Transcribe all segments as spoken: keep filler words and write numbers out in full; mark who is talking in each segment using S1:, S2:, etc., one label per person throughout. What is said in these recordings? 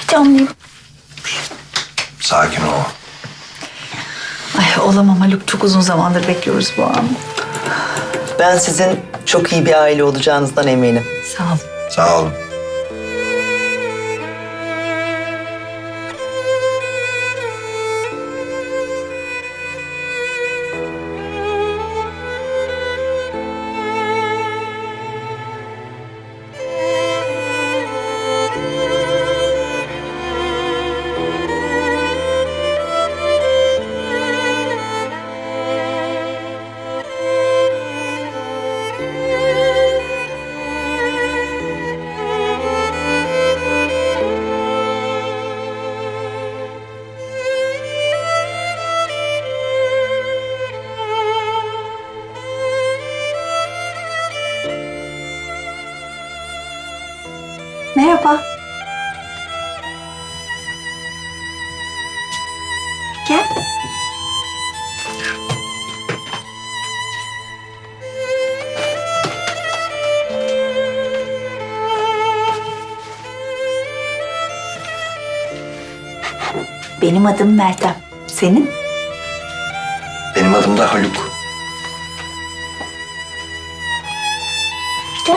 S1: heyecanlıyım.
S2: Sakin ol.
S1: Ay olamam Haluk. Çok uzun zamandır bekliyoruz bu anı.
S3: Ben sizin çok iyi bir aile olacağınızdan eminim.
S1: Sağ ol.
S2: Sağ olun.
S1: Merhaba. Gel. Benim adım Meltem. Senin?
S2: Benim adım da Haluk.
S1: Gel.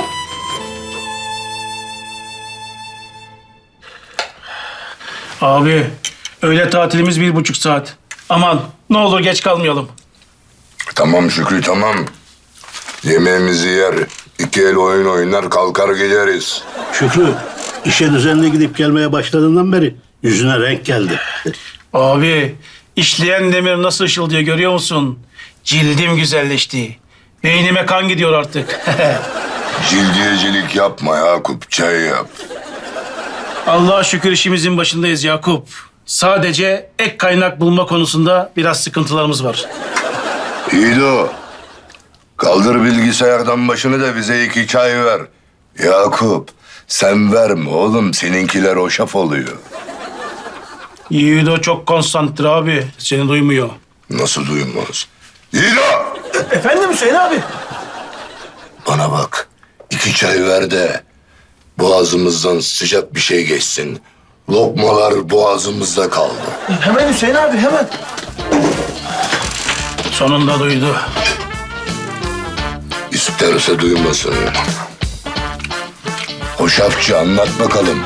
S4: Abi, öğle tatilimiz bir buçuk saat. Aman, ne olur geç kalmayalım.
S5: Tamam Şükrü tamam. Yemeğimizi yer, iki el oyun oynar kalkar gideriz.
S6: Şükrü, işe düzenli gidip gelmeye başladığından beri yüzüne renk geldi.
S4: Abi, işleyen demir nasıl ışıldıyor görüyor musun? Cildim güzelleşti. Beynime kan gidiyor artık.
S5: Cildiyecilik yapma Yakup, çay yap.
S4: Allah'a şükür işimizin başındayız Yakup. Sadece ek kaynak bulma konusunda biraz sıkıntılarımız var.
S5: İyi de o. Kaldır bilgisayardan başını da bize iki çay ver. Yakup, sen verme oğlum, seninkiler hoşaf oluyor.
S4: Yiğido çok konsantre abi. Seni duymuyor.
S5: Nasıl duymaz? İdo!
S4: Efendim Hüseyin abi?
S5: Bana bak, iki çay ver de boğazımızdan sıcak bir şey geçsin. Lokmalar boğazımızda kaldı.
S4: Hemen Hüseyin abi hemen. Sonunda duydu.
S5: İsterse duymasın. Hoşafçı anlat bakalım.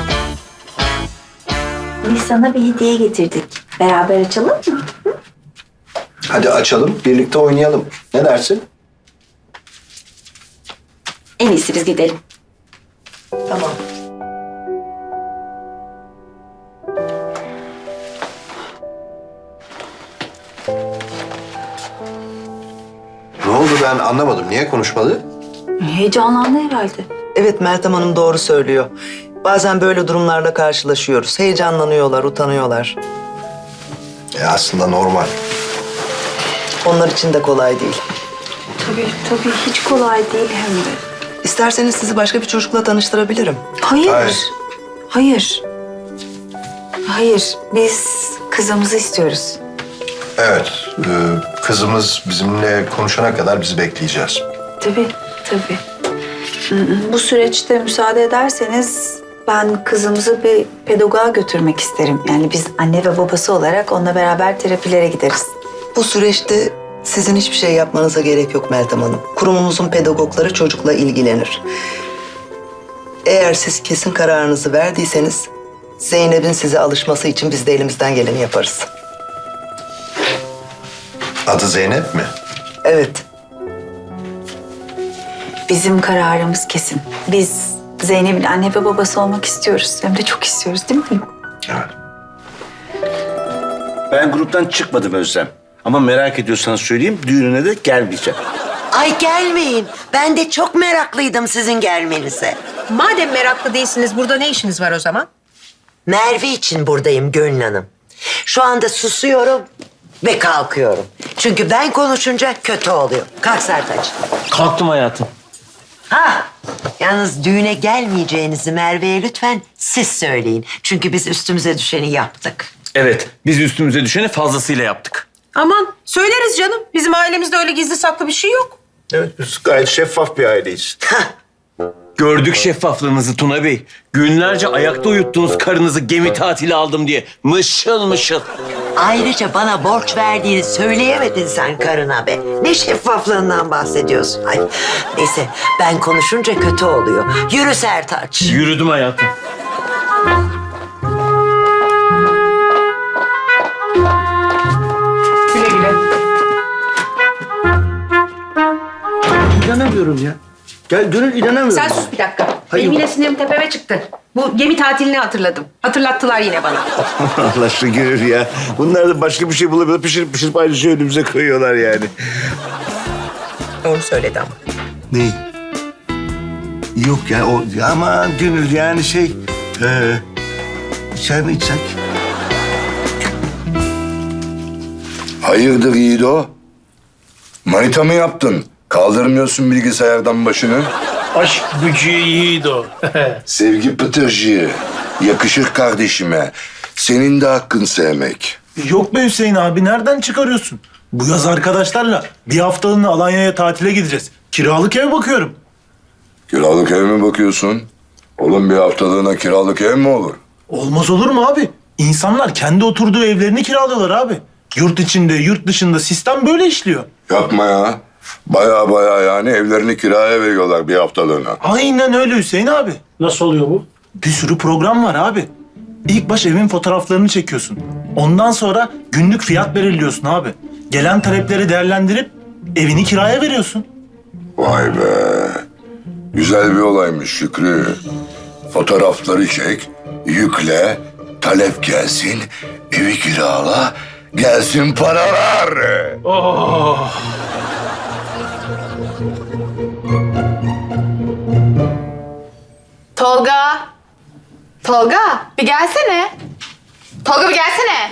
S1: Biz sana bir hediye getirdik. Beraber açalım mı?
S2: Hadi açalım, birlikte oynayalım. Ne dersin?
S1: En iyisi biz gidelim.
S3: Tamam.
S2: Ne oldu ben anlamadım. Niye konuşmadı?
S1: Heyecanlandı herhalde.
S3: Evet Meltem Hanım doğru söylüyor. Bazen böyle durumlarla karşılaşıyoruz. Heyecanlanıyorlar, utanıyorlar.
S2: E aslında normal.
S3: Onlar için de kolay değil.
S1: Tabii tabii hiç kolay değil hem de.
S3: İsterseniz sizi başka bir çocukla tanıştırabilirim.
S1: Hayır.
S2: Hayır.
S1: Hayır. Hayır. Biz kızımızı istiyoruz.
S2: Evet, e, kızımız bizimle konuşana kadar bizi bekleyeceğiz.
S1: Tabii, tabii. Bu süreçte müsaade ederseniz ben kızımızı bir pedagoğa götürmek isterim. Yani biz anne ve babası olarak onunla beraber terapilere gideriz.
S3: Bu süreçte sizin hiçbir şey yapmanıza gerek yok Meltem Hanım. Kurumumuzun pedagogları çocukla ilgilenir. Eğer siz kesin kararınızı verdiyseniz Zeynep'in size alışması için biz de elimizden geleni yaparız.
S2: Adı Zeynep mi?
S3: Evet.
S1: Bizim kararımız kesin. Biz Zeynep'in anne ve babası olmak istiyoruz. Hem de çok istiyoruz değil mi?
S2: Evet.
S6: Ben gruptan çıkmadım Özlem. Ama merak ediyorsanız söyleyeyim, düğününe de gelmeyeceğim.
S7: Ay gelmeyin. Ben de çok meraklıydım sizin gelmenize.
S8: Madem meraklı değilsiniz, burada ne işiniz var o zaman?
S7: Merve için buradayım Gönül Hanım. Şu anda susuyorum ve kalkıyorum. Çünkü ben konuşunca kötü oluyor. Kalk Sertaç.
S9: Kalktım hayatım.
S7: Ha, yalnız düğüne gelmeyeceğinizi Merve'ye lütfen siz söyleyin. Çünkü biz üstümüze düşeni yaptık.
S9: Evet, biz üstümüze düşeni fazlasıyla yaptık.
S8: Aman söyleriz canım. Bizim ailemizde öyle gizli saklı bir şey yok.
S2: Evet, biz gayet şeffaf bir aileyiz.
S7: Hah,
S9: Gördük şeffaflığınızı Tuna Bey. Günlerce ayakta uyuttunuz karınızı gemi tatili aldım diye. Mışıl mışıl.
S7: Ayrıca bana borç verdiğini söyleyemedin sen karına be. Ne şeffaflığından bahsediyorsun? Ay, neyse ben konuşunca kötü oluyor. Yürü Sertaç.
S9: Yürüdüm hayatım.
S8: Güle güle.
S6: İnanamıyorum ya. Gel Gönül inanamıyorum.
S8: Sen sus bir dakika.
S6: Hayır.
S8: Benim yine sinirim tepeme çıktı. Bu gemi tatilini hatırladım. Hatırlattılar yine bana.
S6: Allah aşkına Gönül ya. Bunlar da başka bir şey bulabilir. Pişirip pişirip aynı şeyi önümüze koyuyorlar yani.
S8: Doğru söyledi ama.
S6: Ne? Yok ya o ama Gönül yani şey... E, çay mı içsek?
S5: Hayırdır Yiğido? Manita mı yaptın? Kaldırmıyorsun bilgisayardan başını.
S4: Aşk gücü yiğit o.
S5: Sevgi pıtırcığı. Yakışır kardeşime. Senin de hakkın sevmek.
S10: Yok be Hüseyin abi, nereden çıkarıyorsun? Bu yaz arkadaşlarla bir haftalığına Alanya'ya tatile gideceğiz. Kiralık ev bakıyorum.
S5: Kiralık ev mi bakıyorsun? Oğlum bir haftalığına kiralık ev mi olur?
S10: Olmaz olur mu abi? İnsanlar kendi oturduğu evlerini kiralıyorlar abi. Yurt içinde, yurt dışında sistem böyle işliyor.
S5: Yapma ya. Baya baya yani evlerini kiraya veriyorlar bir haftalığına.
S10: Aynen öyle Hüseyin abi.
S4: Nasıl oluyor bu?
S10: Bir sürü program var abi. İlk baş evin fotoğraflarını çekiyorsun. Ondan sonra günlük fiyat belirliyorsun abi. Gelen talepleri değerlendirip evini kiraya veriyorsun.
S5: Vay be. Güzel bir olaymış Şükrü. Fotoğrafları çek, yükle, talep gelsin, evi kirala, gelsin paralar.
S4: Oh.
S11: Tolga. Tolga bir gelsene. Tolga bir gelsene.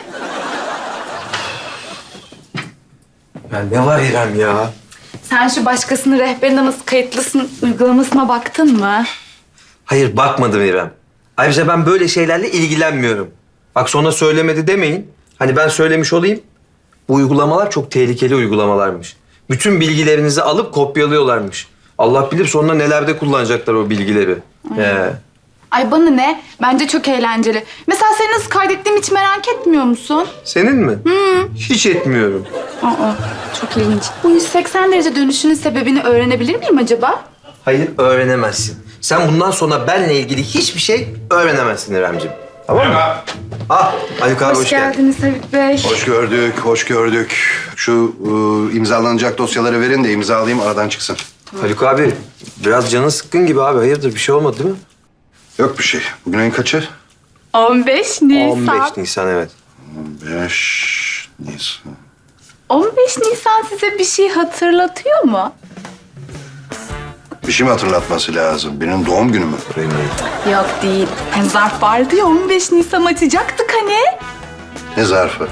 S9: Ya ne var İrem ya?
S11: Sen şu başkasının rehberine nasıl kayıtlısın uygulamasına baktın mı?
S12: Hayır bakmadım İrem. Ayrıca ben böyle şeylerle ilgilenmiyorum. Bak sonra söylemedi demeyin. Hani ben söylemiş olayım. Bu uygulamalar çok tehlikeli uygulamalarmış. Bütün bilgilerinizi alıp kopyalıyorlarmış. Allah bilir sonra nelerde kullanacaklar o bilgileri. He.
S11: Ay bana ne? Bence çok eğlenceli. Mesela seni nasıl kaydettiğimi hiç merak etmiyor musun?
S12: Senin mi? Hı. Hiç etmiyorum.
S11: Aa, çok ilginç. Bu yüz seksen derece dönüşünün sebebini öğrenebilir miyim acaba?
S12: Hayır öğrenemezsin. Sen bundan sonra benle ilgili hiçbir şey öğrenemezsin İremciğim. Tamam mı? Ah Haluk abi
S11: Hoş,
S12: hoş, geldin.
S11: geldiniz Haluk Bey.
S2: Hoş gördük, hoş gördük. Şu e, imzalanacak dosyaları verin de imzalayayım aradan çıksın.
S12: Haluk abi biraz canın sıkkın gibi abi. Hayırdır bir şey olmadı değil mi?
S2: Yok bir şey. Bugün ayın kaçı?
S11: on beş Nisan.
S12: on beş Nisan evet.
S2: Beş Nisan.
S11: on beş Nisan size bir şey hatırlatıyor mu?
S2: Bir şey mi hatırlatması lazım? Benim doğum günüm mü?
S11: Yok değil. Hem zarf vardı ya on beş Nisan açacaktık hani.
S2: Ne zarfı?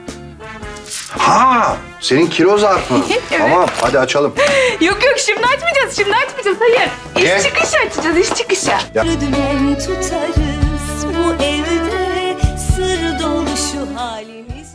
S2: Ha! Senin kilo zarfı.
S11: Evet.
S2: Tamam, hadi açalım.
S11: Yok yok şimdi açmayacağız, şimdi açmayacağız. Hayır. İş
S2: Niye?
S11: çıkışı açacağız, iş çıkışı.
S13: Dümen tutarız bu evde sır dolu şu halimiz.